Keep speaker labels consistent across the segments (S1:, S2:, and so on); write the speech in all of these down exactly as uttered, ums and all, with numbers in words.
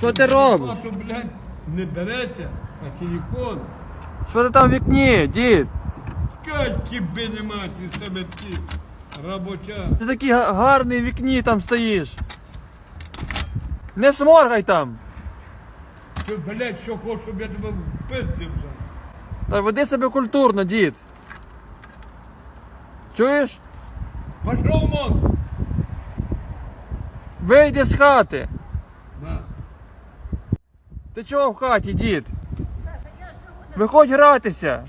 S1: Що ти робиш?
S2: А то, блядь, не береться, а телефон.
S1: Що ти там в вікні, дід?
S2: Катьки би нема, ти себе ті робоча.
S1: Ти такий га- гарний в вікні там стоїш. Не шморгай там.
S2: Ти, блядь, що хочеш, щоб я тебе впиздив вже.
S1: Та веди себе культурно, дід. Чуєш?
S2: Пошов вон!
S1: Вийди з хати.
S2: На.
S1: Ти чого в хаті, дід? Виходь гратися.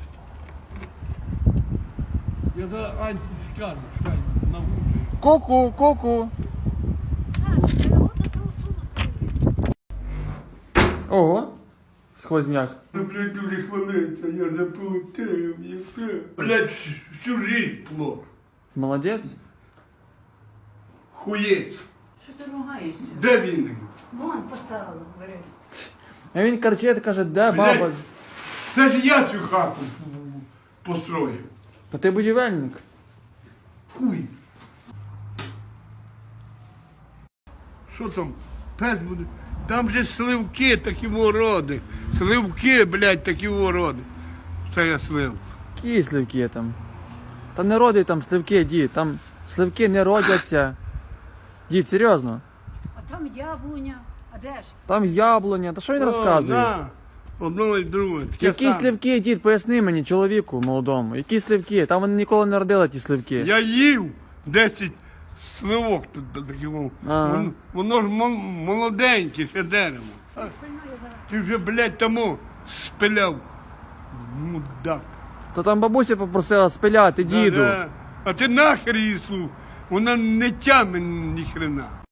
S2: Я за антискану, шай, научу.
S1: Ку-ку, ку-ку. Ого, сквозняк.
S2: Ну, блядь, дуже хвилиться, я заплутив, і все. Блядь, всю жизнь плохо.
S1: Молодець.
S2: Хуєць.
S3: Що ти ругаєшся?
S2: Де він?
S3: Вон поставила, бери.
S1: А він кричить, каже, де
S2: Блядь.
S1: баба?
S2: Це ж я цю хату построїв.
S1: Та ти будівельник.
S2: Хуй. Що там? Пес буде? Там же сливки такі вороди. Сливки, блядь, такі вороди. Це я слив.
S1: Які сливки там? Та не роди там сливки, дід. Там сливки не родяться. Дід, серйозно.
S3: А там яблуня. А де ж?
S1: Там яблуня. Та що він розказує?
S2: На, одно і друге. Таке
S1: Які
S2: саме.
S1: сливки, дід, поясни мені, чоловіку молодому. Які сливки? Там вони ніколи не родили ті сливки.
S2: Я їв десять сливок тут до таких.
S1: Ага.
S2: Воно, воно ж мол- молоденьке, ще дерево. А
S3: Спиною зараз.
S2: ти вже, блядь, тому спиляв. Мудак.
S1: То там бабуся попросила спиляти, діду.
S2: Да-да. А ти нахер її слух? Вона не тяме ні хрена.